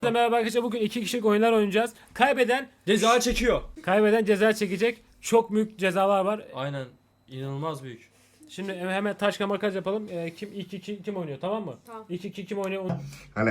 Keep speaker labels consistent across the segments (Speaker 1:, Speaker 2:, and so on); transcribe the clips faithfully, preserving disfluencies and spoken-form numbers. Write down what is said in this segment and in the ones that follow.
Speaker 1: Merhaba arkadaşlar, bugün iki kişilik oyunlar oynayacağız. Kaybeden
Speaker 2: Ceza çekiyor.
Speaker 1: kaybeden ceza çekecek. Çok büyük cezalar var.
Speaker 2: Aynen. İnanılmaz büyük.
Speaker 1: Şimdi hemen taş kağıt makas yapalım. Ee, kim ilk iki kim oynuyor, tamam mı?
Speaker 3: Tamam.
Speaker 1: İlk iki kim oynuyor? Onu-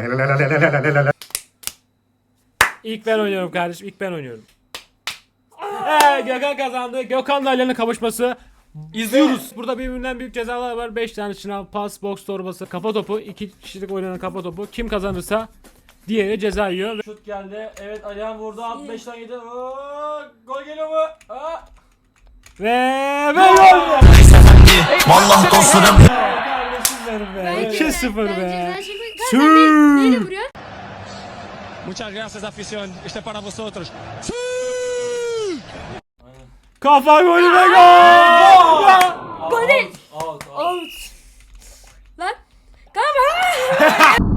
Speaker 1: İlk ben oynuyorum kardeşim. İlk ben oynuyorum. Ee, Gökhan kazandı. Gökhan'la Ali'nin kavuşması.
Speaker 2: İzliyoruz.
Speaker 1: Burada birbirinden büyük cezalar var. beş tane şınav, pas, boks torbası, kafa topu. iki kişilik oynanan kafa topu. Kim kazanırsa diğeri ceza yiyor.
Speaker 2: Şut geldi. Evet, Alihan vurdu. altmıştan yedi. Oo, gol geliyor mu? Aa.
Speaker 1: Ve ve gol!
Speaker 4: Vallahi dostlarım.
Speaker 1: Kardeşim benim be. iki sıfır be. Sü.
Speaker 3: Neyle vuruyor?
Speaker 5: Muchas gracias, afición. Este para vosotros.
Speaker 1: Kafa golü ve gol!
Speaker 3: Gol değil.
Speaker 2: Out, out.
Speaker 3: Out. Lan. Kanka.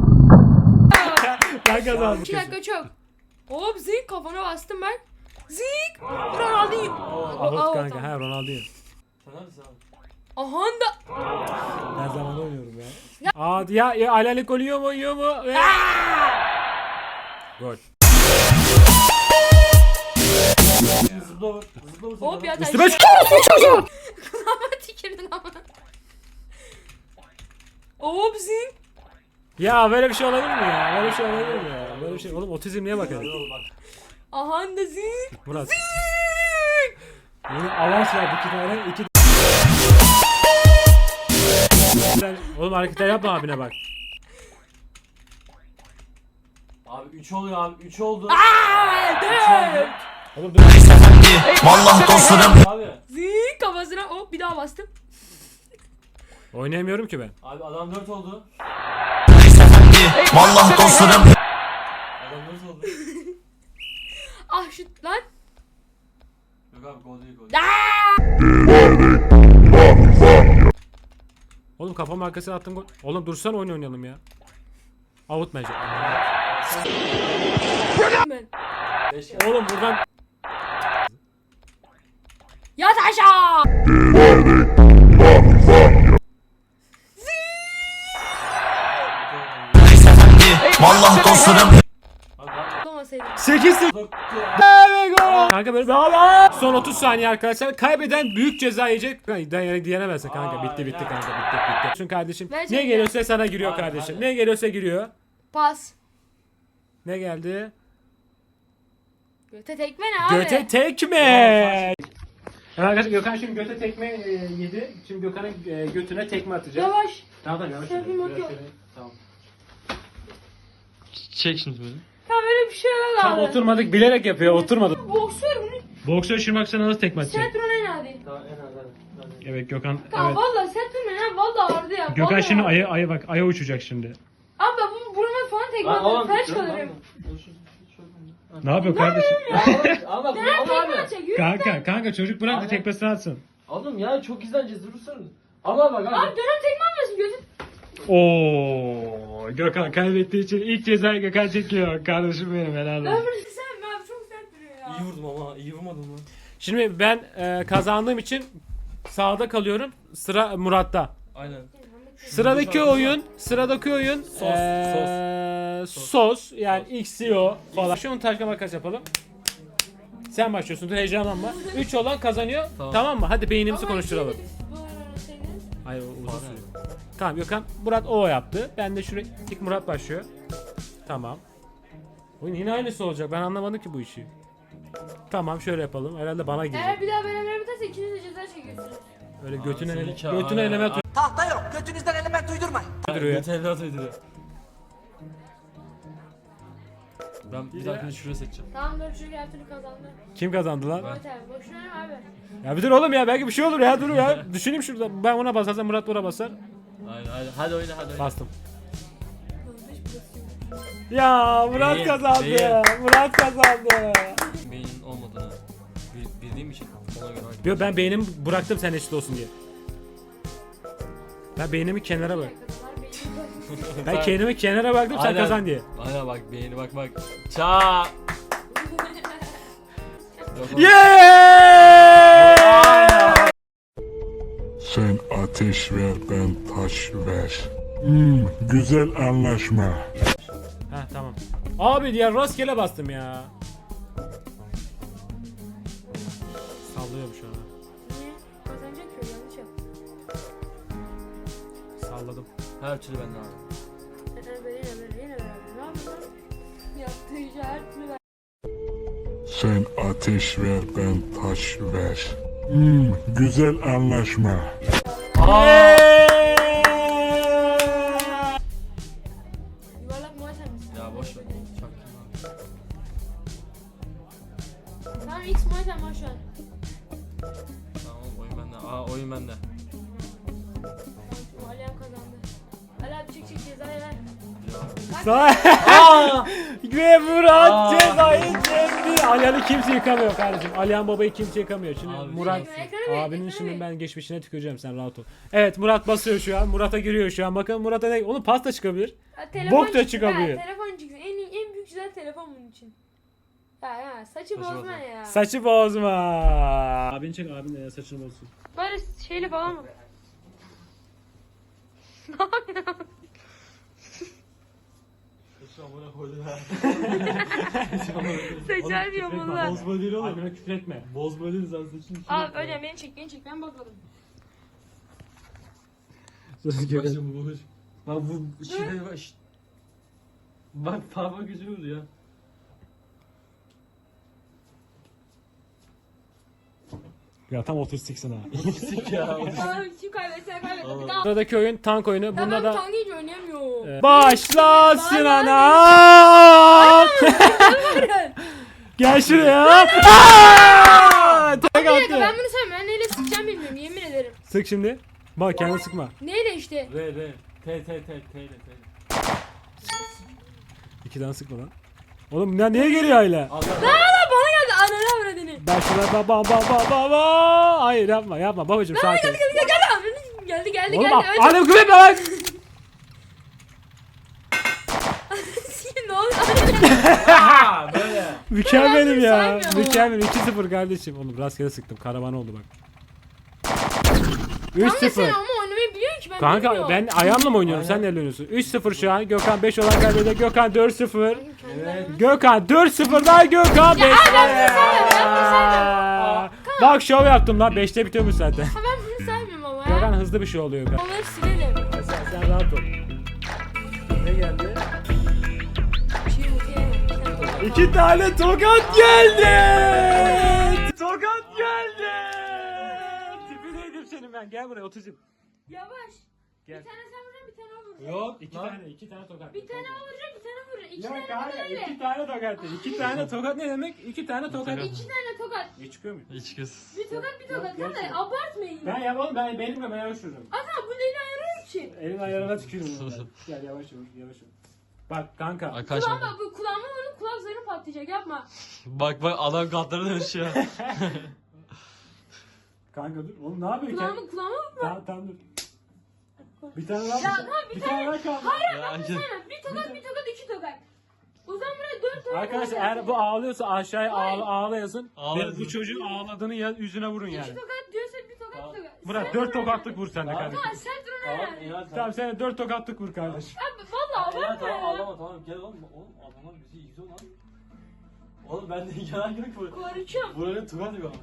Speaker 1: Ben kazandım.
Speaker 3: İki dakika çok. Hop zik kafana bastım ben. Zik. Ronaldinho.
Speaker 1: Ahut
Speaker 3: Out.
Speaker 1: kanka, ha Ronaldinho.
Speaker 2: Sen neredesin abi?
Speaker 3: Aha da.
Speaker 1: Her zaman oynuyorum ya. Aa ya, ya Alanik gol yiyor mu, yiyor mu? Ve... Gol.
Speaker 2: Zıpla vur. Zıpla vur.
Speaker 3: Hop ya taş.
Speaker 1: Üstüme çık.
Speaker 3: Kulağıma tükürdün ama. Hop zik.
Speaker 1: Ya böyle bir şey olabilir mi ya? Böyle bir şey olabilir mi ya? Böyle bir şey. Oğlum otizmliğe bak hadi.
Speaker 2: Bak.
Speaker 3: Aha da zik.
Speaker 1: Murat. Bunu avans verdi iki tane. iki Sen- Oğlum hareketler yapma abine bak.
Speaker 2: Abi üç oluyor abi. üç oldu.
Speaker 3: Aa, dört.
Speaker 1: Oğlum dur.
Speaker 4: Vallahi dostlarım.
Speaker 2: Abi.
Speaker 3: Zik kafasına hop bir daha bastım.
Speaker 1: Oynayamıyorum ki ben.
Speaker 2: Abi adam dört oldu.
Speaker 4: Vallahi dostlarım.
Speaker 2: Adam dört oldu.
Speaker 3: Ah şut lan.
Speaker 2: Yok abi, gol değil, gol.
Speaker 1: Oğlum kafam arkasına attım gol. Oğlum dursan oyun oynayalım ya. Out bence.
Speaker 3: Ben.
Speaker 2: beş geldi.
Speaker 1: Oğlum buradan
Speaker 3: Yat aşağı.
Speaker 4: Vallahi dostlarım.
Speaker 2: Abi bak.
Speaker 3: Olmasaydı.
Speaker 1: sekiz sıfır.
Speaker 2: Doktu.
Speaker 1: Evet gol. Kanka böyle Aa! Son otuz saniye arkadaşlar. Kaybeden büyük ceza yiyecek. Dayan diyenemezsin kanka. Bitti bitti kanka. Bitti bitti. Çünkü kardeşim
Speaker 3: Ben
Speaker 1: ne
Speaker 3: çekeceğim.
Speaker 1: geliyorsa sana giriyor
Speaker 2: Hadi,
Speaker 1: kardeşim.
Speaker 2: hadi.
Speaker 1: Ne geliyorsa giriyor.
Speaker 3: Pas.
Speaker 1: Ne geldi?
Speaker 3: Göte tekme ne abi?
Speaker 1: Göte tekme. Evet arkadaşlar, Gökhan şimdi göte tekme e, yedi. Şimdi Gökhan'ın e, götüne tekme atacak.
Speaker 3: Yavaş.
Speaker 1: Tamam tamam yavaş.
Speaker 3: Şefim
Speaker 1: yavaş,
Speaker 3: bakıyor.
Speaker 1: yavaş, yavaş. Tamam.
Speaker 2: Çek şimdi böyle.
Speaker 3: Ya böyle bir şey yok
Speaker 1: Tam
Speaker 3: abi.
Speaker 1: oturmadık, bilerek yapıyor. Oturmadık.
Speaker 3: Boksör bunu.
Speaker 1: Boksör şimdi bak sana nasıl tekme atacak.
Speaker 3: Sert vurun en hadi.
Speaker 2: Tamam, en az hadi. Hadi.
Speaker 1: Evet Gökhan.
Speaker 3: Kanka
Speaker 1: Evet.
Speaker 3: valla sert vurun en valla ağrıdı ya.
Speaker 1: Gökhan
Speaker 3: vallahi.
Speaker 1: şimdi aya aya bak aya uçacak şimdi.
Speaker 3: Abi ben bu burama falan tekme
Speaker 2: Lan
Speaker 3: atarım.
Speaker 2: oğlum.
Speaker 3: Felç
Speaker 2: dur lan.
Speaker 3: kalırım.
Speaker 2: Dur, şu- şu- şu-
Speaker 1: Ne yapıyor kardeşim?
Speaker 2: Ama
Speaker 3: Neden
Speaker 2: ama
Speaker 3: tekme
Speaker 2: abi.
Speaker 3: atacak? Yürü.
Speaker 1: Kanka kanka çocuk bırak da
Speaker 2: Aynen.
Speaker 1: tekmesini atsın.
Speaker 2: Oğlum ya çok izleneceğiz, durursun. Ama bak abi.
Speaker 3: Abi dönem tekme atmasın gözün.
Speaker 1: Oo, Gökhan kaybettiği için ilk cezayı Gökhan çekiyor. Kardeşim benim helal olsun.
Speaker 3: Ömrü sen mi abi çok sert duruyor ya.
Speaker 2: İyi vurdum ama iyi vurmadım mı?
Speaker 1: Şimdi ben e, kazandığım için sağda kalıyorum. Sıra Murat'ta.
Speaker 2: Aynen.
Speaker 1: Sıradaki oyun, sıradaki oyun
Speaker 2: Sos,
Speaker 1: eee, sos. Yani X C O falan. Şunu taş kağıt makas yapalım. Sen başlıyorsun, dur heyecanlanma. üç olan kazanıyor. Tamam.
Speaker 2: Tamam.
Speaker 1: mı? Hadi beynimizi
Speaker 3: Ama
Speaker 1: konuşturalım.
Speaker 3: şey dedi, bu senin.
Speaker 1: Hayır o uzun sürüyor. Tamam Gökhan, Murat O yaptı. Ben de şuraya ilk Murat başlıyor. Tamam. Oyun yine aynısı olacak. Ben anlamadım ki bu işi. Tamam şöyle yapalım. Herhalde bana
Speaker 3: Eğer
Speaker 1: girecek.
Speaker 3: bir daha beraber biterse ikiniz de ceza çekiyorsunuz.
Speaker 1: Öyle götüne ele,
Speaker 2: seninki-
Speaker 1: götüne
Speaker 2: Aynen.
Speaker 1: element
Speaker 4: Tahta yok. Götünüzden element uydurmayın.
Speaker 1: uyduruyor.
Speaker 2: Göte evlat uyduruyor. Ben bir dahakine şuraya seçeceğim.
Speaker 3: Tamam dur çünkü her türlü kazandı.
Speaker 1: Kim kazandı lan?
Speaker 3: Evet abi boşuna ne abi?
Speaker 1: Ya bir dur oğlum ya, belki bir şey olur ya, dur ya. Düşüneyim şurada. Ben ona basarsam Murat buna basar.
Speaker 2: Aynen aynen. Hadi oyna hadi oyna.
Speaker 1: Bastım. Ya Murat
Speaker 2: Değil,
Speaker 1: kazandı.
Speaker 2: değil.
Speaker 1: Murat kazandı.
Speaker 2: Beynin olmadığını bil- bildiğim için ona göre oyna.
Speaker 1: Yo, ben beynimi bıraktım sen eşit olsun diye. Ben beynimi kenara bırak. Ben kendimi kenara bıraktım sen
Speaker 2: Aynen.
Speaker 1: kazan diye.
Speaker 2: Aynen bak beyni bak bak. Ça.
Speaker 1: Yeah!
Speaker 6: Sen ateş ver, ben taş ver. Hmm, güzel anlaşma.
Speaker 1: Ha tamam. Abi diğer rastgele bastım ya. Sallıyorum şu an.
Speaker 3: Niye? Kazanacak ki yanlış yap.
Speaker 1: Salladım.
Speaker 2: Her türlü bende abi.
Speaker 3: Ee, böyle yine böyle yine böyle. Ne yapıyorsun? Yaptığı işi her türlü ben.
Speaker 6: Sen ateş ver, ben taş ver. Hmm, güzel anlaşma.
Speaker 3: Yuvarlak muay sen misin?
Speaker 2: Ya boş ver. Çaktım abi.
Speaker 3: Tamam X muay sen var şu an.
Speaker 2: Tamam oğlum, oyun bende. Aa oyun bende.
Speaker 3: Tamam, Alihan kazandı. Ali abi çık çık cezayı ver.
Speaker 1: Sağ. Ve Murat
Speaker 2: Aa.
Speaker 1: cezayı çekti. Alihan'ı kimse yıkamıyor kardeşim. Alihan babayı kimse yıkamıyor. Şimdi
Speaker 2: Abi,
Speaker 1: Murat
Speaker 3: ekranı ver,
Speaker 1: abinin
Speaker 3: ekranı
Speaker 1: şimdi
Speaker 3: ver.
Speaker 1: ben geçmişine tüküreceğim, sen rahat ol. Evet, Murat basıyor şu an. Murat'a giriyor şu an. Bakın Murat'a ne? Onun pasta çıkabilir.
Speaker 3: Ha, telefon
Speaker 1: Bok da
Speaker 3: çıktı.
Speaker 1: çıkabiliyor.
Speaker 3: Ha, telefon çıksın. En iyi, en büyük güzel telefon bunun için. Ya ya saçı
Speaker 2: Saçı
Speaker 3: bozma
Speaker 2: bozma.
Speaker 3: ya.
Speaker 1: Saçı bozma. Abin çek, abin de saçını bozsun.
Speaker 3: Böyle şeyli falan mı?
Speaker 2: Şu amına koydum ha.
Speaker 3: Seçer diyor bunlar.
Speaker 2: Bozma değil oğlum.
Speaker 1: Abine küfür etme.
Speaker 2: Bozma değil sen saçını.
Speaker 3: Abi öyle beni çek beni çek ben bozmadım.
Speaker 2: Başım bu boş. Bak bu şişe bak. şşt. Bak parmak gücü vurdu ya.
Speaker 1: Ya tam otistiksin ha.
Speaker 2: Sik ya. o da-
Speaker 3: Abi kim kaybetse kaybetti.
Speaker 2: Oğlum.
Speaker 3: Tamam.
Speaker 1: Sıradaki oyun tank oyunu.
Speaker 3: Ya
Speaker 1: Bunda
Speaker 3: ben
Speaker 1: da
Speaker 3: tank hiç oynayamıyorum.
Speaker 1: Ee, başlasın
Speaker 3: Bana
Speaker 1: ana. Gel şuraya. Aa! Tek
Speaker 3: Bir dakika ben
Speaker 1: attı.
Speaker 3: bunu sevmem. Ben neyle sıkacağım bilmiyorum yemin ederim.
Speaker 1: Sık şimdi. Bak kendini sıkma.
Speaker 3: Neyle işte?
Speaker 2: R R. T T T T ile T.
Speaker 1: İki tane sıkma lan. Oğlum ya niye geliyor hala?
Speaker 2: Al al.
Speaker 3: Aa bana geldi ananı avradını.
Speaker 1: Ben şuna baba baba baba. Hayır yapma yapma babacığım sakin.
Speaker 3: Geldi geldi geldi. Geldi geldi
Speaker 1: Oğlum
Speaker 3: geldi.
Speaker 1: bak.
Speaker 3: Önce
Speaker 1: Annem küfür etme lan.
Speaker 3: ne oluyor?
Speaker 2: Aa böyle.
Speaker 1: Mükemmelim ya.
Speaker 3: saymıyorum.
Speaker 1: Mükemmel. iki sıfır kardeşim. Oğlum rastgele sıktım. Karavan oldu bak. üç
Speaker 3: Kanka sen
Speaker 1: sıfır.
Speaker 3: ama oynamayı biliyorsun ki ben
Speaker 1: Kanka
Speaker 3: bilmiyorum.
Speaker 1: ben ayağımla mı oynuyorum?
Speaker 2: Aynen.
Speaker 1: Sen neyle oynuyorsun? üç sıfır şu an. Gökhan beş olan kaybediyor. Gökhan dört sıfır.
Speaker 3: Kendi
Speaker 2: Evet.
Speaker 3: ayağımı-
Speaker 1: Gökhan dört sıfırdan Gökhan beş. Bak şov yaptım lan. beşte bitiyormuş zaten.
Speaker 3: Ha ben bunu saymıyorum ama ya.
Speaker 1: Gökhan hızlı bir şey oluyor. Gökhan.
Speaker 3: Onları silelim.
Speaker 1: Sen, sen rahat ol. Ne geldi?
Speaker 3: Bir şey unutayım. Sen tokat
Speaker 1: İki tane tokat geldi. Tokat geldi. Tipi neydim senin ben? Gel buraya otuzum.
Speaker 3: Yavaş.
Speaker 1: Gel.
Speaker 3: Bir tane sen vuracaksın bir tane o vuracak.
Speaker 2: Yok.
Speaker 1: İki
Speaker 2: lan.
Speaker 1: tane, iki tane tokat.
Speaker 3: Bir tane o vuracak bir tane vuracak. İki
Speaker 1: Ya
Speaker 3: tane
Speaker 1: kanka
Speaker 3: tokat öyle.
Speaker 1: iki tane tokat dedi. İki tane tokat ne demek? İki tane tokat.
Speaker 3: İki tane tokat.
Speaker 1: Ne çıkıyor mu?
Speaker 2: Hiç kız.
Speaker 3: Bir tokat bir tokat.
Speaker 1: Yok,
Speaker 3: Kanka
Speaker 1: yok.
Speaker 3: abartmayın.
Speaker 1: Ben yapalım, ben benim de ben yavaş yürürüm.
Speaker 3: Ata bu neyle ayarıyor ki?
Speaker 1: Elin ayarına tükürürüm. ben. Gel yavaş yürü, yavaş yürü. Bak kanka.
Speaker 2: Arkadaş
Speaker 3: Kulağıma
Speaker 2: bak.
Speaker 3: bu kulağıma vurun kulak zarı patlayacak yapma.
Speaker 2: Bak bak adam katları dönüşüyor.
Speaker 1: Kanka dur. Oğlum ne yapıyorsun?
Speaker 3: Kulağıma kulağıma vurma.
Speaker 1: Tamam tamam dur. Bir tane daha.
Speaker 3: Ya tamam bir
Speaker 1: bir
Speaker 3: tane.
Speaker 1: tane daha kaldı.
Speaker 3: Hayır
Speaker 2: Ya,
Speaker 3: bak
Speaker 2: gel.
Speaker 3: sen bir tokat bir tokat iki tokat. O zaman buraya dört tokat.
Speaker 1: Arkadaşlar
Speaker 3: vuracağız.
Speaker 1: eğer bu ağlıyorsa aşağıya
Speaker 3: Hayır.
Speaker 1: ağla, ağla yazın.
Speaker 2: Ağla
Speaker 1: Ve
Speaker 2: yazın.
Speaker 1: bu çocuğun ağladığını ya, yüzüne vurun yani.
Speaker 3: İki tokat diyorsa bir tokat bir tokat.
Speaker 1: Murat
Speaker 3: Sert
Speaker 1: dört
Speaker 3: vurun
Speaker 1: tokatlık
Speaker 3: yani.
Speaker 1: vur sen de
Speaker 2: Tamam.
Speaker 1: kardeşim.
Speaker 3: Ha sert vurun
Speaker 2: Tamam
Speaker 3: yani.
Speaker 2: iyi hadi.
Speaker 1: Tamam sen de dört tokatlık vur kardeşim.
Speaker 3: Abi valla
Speaker 2: Ya
Speaker 3: abartma
Speaker 2: tamam
Speaker 3: ya.
Speaker 2: ağlama tamam gel oğlum. Oğlum adamlar bizi izliyor lan. Oğlum ben de yalan yok bu.
Speaker 3: Korkuyorum.
Speaker 2: Buranın tuvalı yok ama.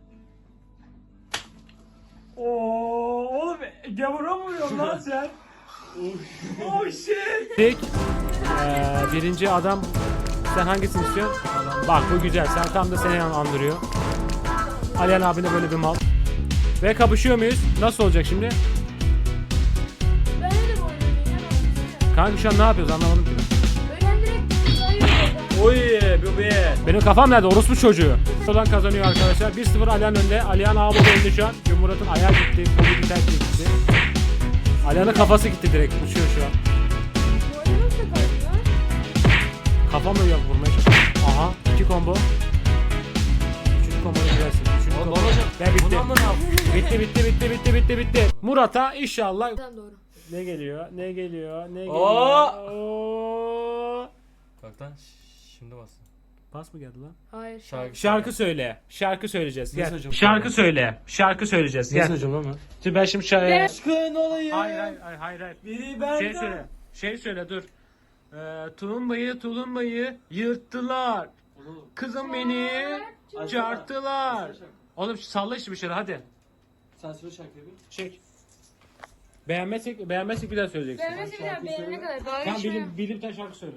Speaker 1: Oo, oğlum gavura mı vuruyorsun lan sen? Oh shit. İlk eee, birinci adam, sen hangisini istiyorsun? Bak bu güzel, sen tam da seni andırıyor. Alihan abine böyle bir mal. Ve kapışıyor muyuz? Nasıl olacak şimdi?
Speaker 3: Ben de bu oyunu
Speaker 1: Kanka şu an ne yapıyoruz anlamadım ki.
Speaker 3: Öğren direkt sayıyorum.
Speaker 2: Oy bu be.
Speaker 1: Benim kafam nerede? Orospu çocuğu. Olan kazanıyor arkadaşlar. bir sıfır Alihan önde. Alihan abi önde şu an. Murat'ın ayağı gitti. Kolu gitti. gitti. Alihan'ın kafası gitti direkt. Uçuyor şu an.
Speaker 3: Bu oyunu nasıl kalıyor?
Speaker 1: Kafamla yap vurmaya çalışıyorum. Aha. iki combo. Üçüncü combo'ya girersin. Üçüncü
Speaker 2: Oğlum
Speaker 1: combo.
Speaker 2: babacım.
Speaker 1: Ve bitti.
Speaker 2: Bundan da ne yapayım?
Speaker 1: Bitti bitti bitti bitti bitti bitti. Murat'a inşallah.
Speaker 3: Buradan doğru.
Speaker 1: Ne geliyor? Ne geliyor? Ne geliyor?
Speaker 2: Oo!
Speaker 1: Oo!
Speaker 2: Bak lan şimdi bas.
Speaker 1: Pas mı geldi lan?
Speaker 3: Hayır.
Speaker 2: Şarkı.
Speaker 1: Şarkı söyle. Şarkı söyleyeceğiz.
Speaker 2: Ne
Speaker 1: Gel.
Speaker 2: söyleyeceğim?
Speaker 1: Şarkı söyle. Şarkı söyleyeceğiz.
Speaker 2: Ne
Speaker 1: Gel.
Speaker 2: söyleyeceğim lan ben?
Speaker 1: Şimdi ben şimdi şarkı...
Speaker 2: Aşkın olayım.
Speaker 1: Hayır hayır hayır hayır. hayır.
Speaker 2: Biri benden.
Speaker 1: Şey söyle. Şey söyle dur. Ee, tulumbayı tulumbayı yırttılar.
Speaker 2: Oğlum.
Speaker 1: Kızım beni çarptılar.
Speaker 2: Açsana.
Speaker 1: Oğlum salla işte bir şeyler hadi.
Speaker 2: Sen söyle şarkıyı bir.
Speaker 1: Çek. Beğenmezsek, beğenmezsek bir daha söyleyeceksin.
Speaker 3: Beğenmesi bir daha
Speaker 2: şarkıyı
Speaker 3: beğenene
Speaker 2: söyle.
Speaker 3: kadar. Daha
Speaker 1: Tamam
Speaker 3: geçmiyor.
Speaker 1: bilim, bilim tane şarkı söyle.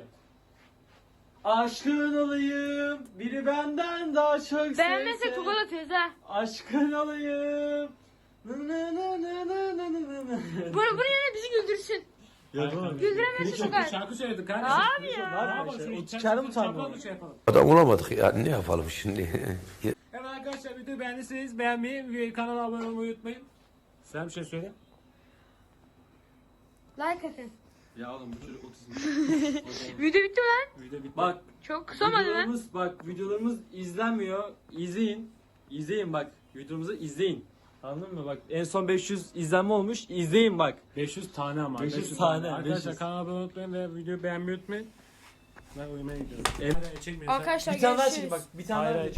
Speaker 2: Aşkın olayım, biri benden daha çok
Speaker 3: Beğenmezsek
Speaker 2: sevse.
Speaker 3: tokat atıyoruz ha.
Speaker 2: Aşkın olayım. Nı nı nı nı nı nı nı nı nı.
Speaker 3: Bunu, bunu yine bizi güldürsün.
Speaker 2: Ya tamam.
Speaker 3: Güldüremezsin
Speaker 1: Çok
Speaker 3: tokat.
Speaker 1: şarkı söyledik kardeşim.
Speaker 3: Abi ya.
Speaker 2: Ne yapayım
Speaker 1: Bravo,
Speaker 2: işte?
Speaker 1: şunu
Speaker 2: O
Speaker 1: içten-
Speaker 2: çıkardı mı
Speaker 1: içten
Speaker 2: utanma?
Speaker 1: yapalım, şey yapalım.
Speaker 7: Adam olamadık ya, ne yapalım şimdi?
Speaker 1: Evet arkadaşlar videoyu beğendiyseniz beğenmeyi ve kanala abone olmayı unutmayın. Sen bir şey söyle.
Speaker 3: Like atın.
Speaker 2: Ya oğlum bu çocuk otizm.
Speaker 3: Video bitti mi lan?
Speaker 1: Video bitti.
Speaker 2: Bak
Speaker 3: Çok kısa mı lan?
Speaker 2: videolarımız bak videolarımız izlenmiyor. İzleyin. İzleyin bak. Videomuzu izleyin. Anladın mı? Bak en son beş yüz izlenme olmuş. İzleyin bak.
Speaker 1: beş yüz tane ama.
Speaker 2: beş yüz tane,
Speaker 1: Arkadaşlar
Speaker 2: beş yüz.
Speaker 1: kanala abone olmayı unutmayın ve videoyu beğenmeyi unutmayın. Ben uyumaya gidiyorum.
Speaker 2: Evet.
Speaker 1: Hadi, çekmeyin.
Speaker 3: Arkadaşlar
Speaker 2: Bir tane daha
Speaker 3: görüşürüz.
Speaker 2: çekin bak. Bir tane
Speaker 1: Hayır,
Speaker 2: daha.
Speaker 1: hayır.